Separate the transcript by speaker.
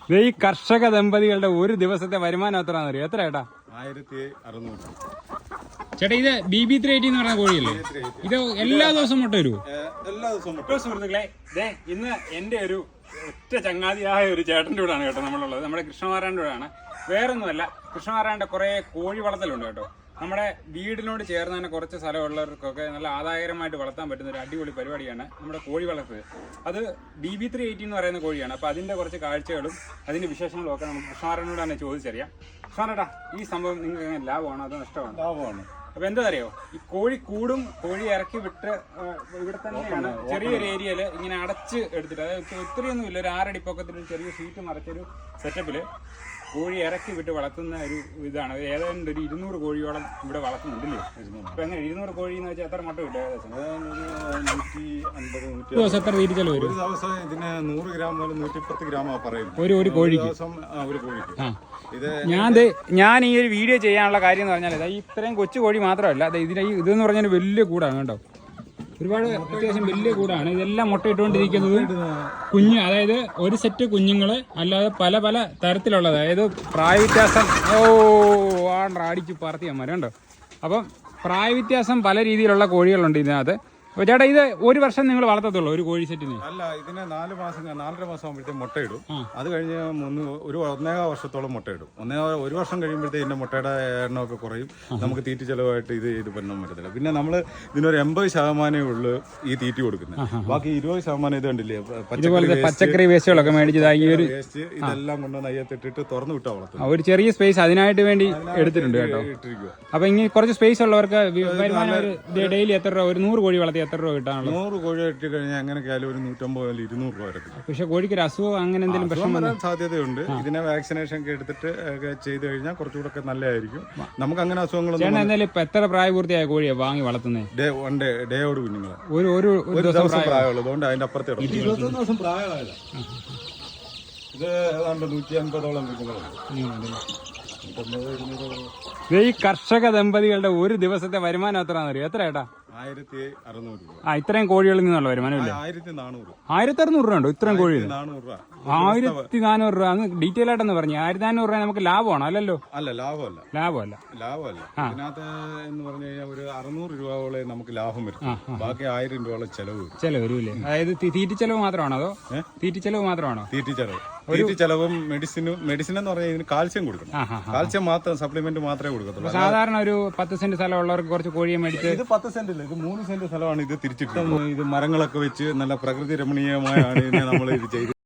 Speaker 1: ഈ കർഷക ദമ്പതികളുടെ ഒരു ദിവസത്തെ വരുമാനം എത്രയാണെന്ന് അറിയോ? എത്ര ചേട്ടാ?
Speaker 2: 1600.
Speaker 1: ചേട്ടാ ഇത് BB380 എന്ന് പറഞ്ഞ കോഴിയല്ലേ? ഇത് എല്ലാ ദിവസവും മുട്ട വരുമോ?
Speaker 2: എല്ലാ ദിവസവും മുട്ട.
Speaker 1: സുഹൃത്തുക്കളെ, ഇന്ന് എന്റെ ഒരു ഒറ്റ ചങ്ങാതിയായ ഒരു ചേട്ടൻ്റെ കൂടെയാണ് കേട്ടോ നമ്മളുള്ളത്. നമ്മുടെ കൃഷ്ണമാരാൻ്റെ കൂടെയാണ്. വേറൊന്നുമല്ല, കൃഷ്ണമാരാൻ്റെ കുറേ കോഴി വളർത്തലുണ്ട് കേട്ടോ. നമ്മുടെ വീടിനോട് ചേർന്ന് തന്നെ കുറച്ച് സ്ഥലമുള്ളവർക്കൊക്കെ നല്ല ആദായകരമായിട്ട് വളർത്താൻ പറ്റുന്ന ഒരു അടിപൊളി പരിപാടിയാണ് നമ്മുടെ കോഴി വളർത്തൽ. അത് BB380 എന്ന് പറയുന്ന കോഴിയാണ്. അപ്പോൾ അതിൻ്റെ കുറച്ച് കാഴ്ചകളും അതിൻ്റെ വിശേഷങ്ങളും ഒക്കെ നമുക്ക് കൃഷ്ണമാരാനോട് തന്നെ ചോദിച്ചറിയാം. കൃഷ്ണമാരാ, ഈ സംഭവം നിങ്ങൾക്ക് ലാഭമാണോ അതോ നഷ്ടമാണോ?
Speaker 2: ലാഭമാണ്.
Speaker 1: അപ്പൊ എന്താ അറിയോ, ഈ കോഴി കൂടും കോഴി ഇറക്കി വിട്ട് ഇവിടെ തന്നെയാണ് ചെറിയൊരു ഏരിയയില് ഇങ്ങനെ അടച്ച് എടുത്തിട്ട്, അതായത് ഒത്തിരിയൊന്നും ഇല്ല, ഒരു 6 അടി പൊക്കത്തിൽ ചെറിയ ഷീറ്റ് മറച്ചൊരു സെറ്റപ്പില് കോഴി ഇറക്കി വിട്ട് വളർത്തുന്ന ഒരു ഇതാണ്. ഏതാണ്ട് ഒരു 200 കോഴിയോളം ഇവിടെ വളർത്തുന്നുണ്ടല്ലേ? അപ്പൊ എങ്ങനെ 200 കോഴി എന്ന് വെച്ചാൽ എത്ര മുട്ട കിട്ടും? ഏകദേശം
Speaker 2: 150
Speaker 1: ദിവസം എത്ര തീരുച്ചല്ലോ വരും?
Speaker 2: ഒരു ദിവസം ഇതിന് 100 ഗ്രാം മുതൽ 110 ഗ്രാമാ പറയുന്നത്
Speaker 1: ഒരു കോഴിക്ക്.
Speaker 2: ഒരു കോഴിക്ക്. ഇത്
Speaker 1: ഞാൻ ഈ ഒരു വീഡിയോ ചെയ്യാനുള്ള കാര്യം എന്ന് പറഞ്ഞാൽ ഇത്രയും കൊച്ചു കോഴി മാത്രമല്ല, ഇതെന്ന് പറഞ്ഞാൽ വലിയ കൂടാണ് കേട്ടോ. ഒരുപാട് അത്യാവശ്യം വലിയ കൂടാണ്. ഇതെല്ലാം മുട്ടയിട്ടുകൊണ്ടിരിക്കുന്നത് കുഞ്ഞ്, അതായത് ഒരു സെറ്റ് കുഞ്ഞുങ്ങൾ അല്ലാതെ പല പല തരത്തിലുള്ളത്, അതായത് പ്രായവ്യത്യാസം അടിച്ച് പറത്തിയാൽ മതി കേട്ടോ. അപ്പം പ്രായവ്യത്യാസം പല രീതിയിലുള്ള കോഴികളുണ്ട് ഇതിനകത്ത്. അപ്പോൾ ചേട്ടാ, ഇത് ഒരു വർഷം നിങ്ങൾ വളർത്തത്തുള്ളൂ ഒരു കോഴി സെറ്റിന്?
Speaker 2: അല്ല, ഇതിന് 4 മാസം 4.5 മാസം ആകുമ്പോഴത്തേക്ക് മുട്ടയിടും. അത് കഴിഞ്ഞ് 1.5 വർഷത്തോളം മുട്ടയിടും. ഒരു വർഷം കഴിയുമ്പോഴത്തേക്ക് ഇതിന്റെ മുട്ടയുടെ എണ്ണമൊക്കെ കുറയും. നമുക്ക് തീറ്റ ചെലവായിട്ട് ഇത് പെണ്ണാൻ പറ്റത്തില്ല. പിന്നെ നമ്മൾ ഇതിനൊരു 80% ഉള്ളു ഈ തീറ്റ കൊടുക്കുന്നത്. ബാക്കി 20% ഇത് കണ്ടില്ലേ,
Speaker 1: പച്ചക്കറി വേസ്റ്റുകളൊക്കെ മേടിച്ചതായി
Speaker 2: വേസ്റ്റ് ഇതെല്ലാം കൊണ്ടുവന്ന് അയ്യത്തിട്ടിട്ട് തുറന്നു വിട്ടാ വളർത്തും.
Speaker 1: ഒരു ചെറിയ സ്പേസ് അതിനായിട്ട് വേണ്ടി എടുത്തിട്ടുണ്ട് കേട്ടോ. അപ്പൊ ഇങ്ങനെ കുറച്ച് സ്പേസ് ഉള്ളവർക്ക് വരുമാനം ഡെയിലി എത്ര രൂപ? ഒരു 100 കോഴി വളർത്തി എത്ര രൂപ കിട്ടാനുള്ളത്?
Speaker 2: 100 കോഴി ഇട്ട് കഴിഞ്ഞാൽ എങ്ങനെയൊക്കെയാലും ഒരു 150 200 രൂപ വരെ.
Speaker 1: പക്ഷെ കോഴിക്ക് ഒരു അസുഖം അങ്ങനെ എന്തെങ്കിലും പ്രശ്നം
Speaker 2: വരാൻ സാധ്യതയുണ്ട്. ഇതിനെ വാക്സിനേഷൻ ഒക്കെ എടുത്തിട്ട് ചെയ്ത് കഴിഞ്ഞാൽ കുറച്ചുകൂടെ ഒക്കെ നല്ലതായിരിക്കും. നമുക്ക് അങ്ങനെ അസുഖങ്ങളൊന്നും.
Speaker 1: എന്തായാലും ഇപ്പൊ എത്ര പ്രായപൂർത്തിയായ കോഴിയാ വാങ്ങി വളർത്തുന്നത്?
Speaker 2: ഡേയോട് കുഞ്ഞുങ്ങളെ
Speaker 1: ഒരു ദിവസം
Speaker 2: പ്രായമുള്ളത്. അതുകൊണ്ട് അതിന്റെ അപ്പുറത്തെ 21 ദിവസം പ്രായമായല്ല. ഇത് ഏതാണ്ട് 150ഓളം കുഞ്ഞുങ്ങളുണ്ട്.
Speaker 1: ഈ കർഷക ദമ്പതികളുടെ ഒരു ദിവസത്തെ വരുമാനം എത്രയാണെന്ന് അറിയോ? എത്ര ചേട്ടാ?
Speaker 2: 1600 രൂപ.
Speaker 1: ഇത്രയും കോഴികളിൽ നിന്നുള്ള വരുമാനം ഇല്ലേ?
Speaker 2: 1400.
Speaker 1: 1600 രൂപ ഉണ്ടോ ഇത്രയും കോഴി?
Speaker 2: 400 രൂപ.
Speaker 1: 1400 രൂപ. അന്ന് ഡീറ്റെയിൽ ആയിട്ടെന്ന് പറഞ്ഞു. 1400 രൂപ നമുക്ക് ലാഭമാണോ? അല്ലല്ലോ.
Speaker 2: അല്ല, ലാഭമല്ല. ഇതിനകത്ത് എന്ന് പറഞ്ഞു കഴിഞ്ഞാൽ ഒരു 600 രൂപയോളം നമുക്ക് ലാഭം വരും. ബാക്കി 1000 രൂപയോളം ചെലവ് വരും. അതായത് തീറ്റ ചെലവ് മാത്രമാണോ അതോ തീറ്റ ചെലവ് മാത്രമാണോ? തീറ്റ ചെലവും മെഡിസിൻ എന്ന് പറഞ്ഞാൽ ഇതിന് കാൽസ്യം കൊടുക്കണം. കാൽസ്യം മാത്രം, സപ്ലിമെന്റ് മാത്രമേ കൊടുക്കത്തുള്ളൂ. സാധാരണ
Speaker 1: ഒരു 10 സെന്റ് സ്ഥലം ഉള്ളവർക്ക് കുറച്ച് കോഴിയെ മേടിച്ച്,
Speaker 2: ഇത് 10 സെന്റ് ഇല്ല, ഇത് 3 സെന്റ് സ്ഥലമാണ്. ഇത് തിരിച്ചിട്ട് ഇത് മരങ്ങളൊക്കെ വെച്ച് നല്ല പ്രകൃതി രമണീയമായാണ് ഇതിനെ നമ്മൾ ഇത് ചെയ്ത്